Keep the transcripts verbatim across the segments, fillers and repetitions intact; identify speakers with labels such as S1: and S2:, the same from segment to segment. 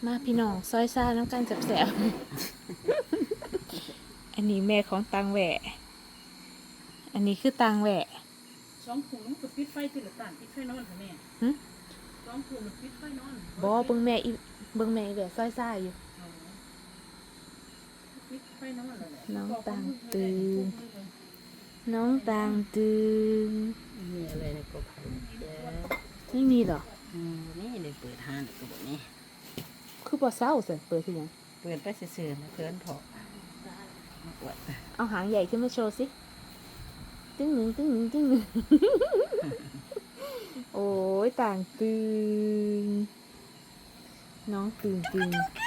S1: มาพี่น้องซอยซ่าน้ำกันแสบๆ อันนี้แม่ของตังแหวะอันนี้คือตังแหวะ
S2: สองถุงมันก็ปิดไฟติดหรือต่างปิดไฟนอนค่ะแม่
S1: หึ
S2: สองถุงมันปิดไฟนอน
S1: บอเบิ่งแม่อีเบิ่งแม่อีแหวะซอยซ่าอยู่
S2: อ๋อปิดไฟนอนแล้วแหละ
S1: น้องตังตื่น น้องตังตื่น
S3: มีอะไรในกระเป๋าแจ๊
S1: ไม่มีเหรอ
S3: อืมนี่เลยเปิดห้างตัวนี้
S1: คือบ่เศร้าสิเปิดคือหยัง
S3: เปิดไปซื่อๆนะเพื่อนพอมาอวด
S1: เอาหางใหญ่ขึ้นมาโชว์สิตึ้งหนึ่งตึ้งหนึ่งตึ้งหนึ่ง โอ้ยต่างตื่นน้องตื่นตื่น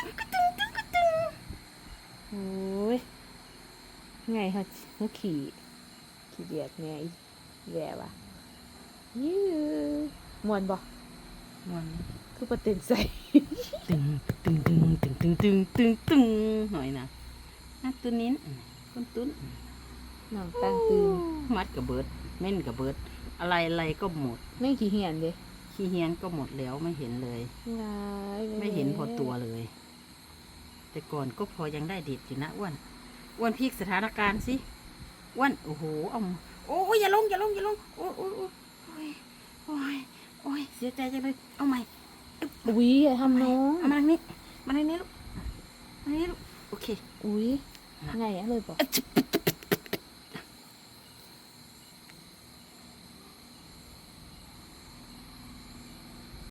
S1: โอ้ยไงฮะหัวขี่ขี่เดียดแม่อีแย่วะยื้อมวนบ่
S3: มัน
S1: คือประเต็นใส่
S3: ตึงตึงตึงตึงตึงตึงตึงตึงหน่อยนะอ่ะตัวนี้คนตุ้น
S1: น้องต่างตื่น
S3: มัดกับเบิดเม่นกับเบิดอะไรอะไรก็หมด
S1: ไม่ขี่เหียนเด้
S3: ขี้เฮียนก็หมดแล้วไม่เห็นเลย
S1: ว้าย
S3: ไม่เห็นพอตัวเลย แต่ก่อนก็พอยังได้เด็ดอยู่นะอ้วนอ้วนพลิกสถานการณ์สิอ้วนโอ้โหเอาโอ้ยอย่าลงอย่าลงอย่าลงโอ้ยโอ้ยโอ้ยโอ้ยโอ้ยเสียใจจังเลยเอาใหม่
S1: อุ้ยอย่าทำน้อง
S3: เอามาทางนี้มาทางนี้ลูกมาทางนี้ลูกโอเค
S1: อุ้ยไงอะเลยบอก
S3: อะจิบ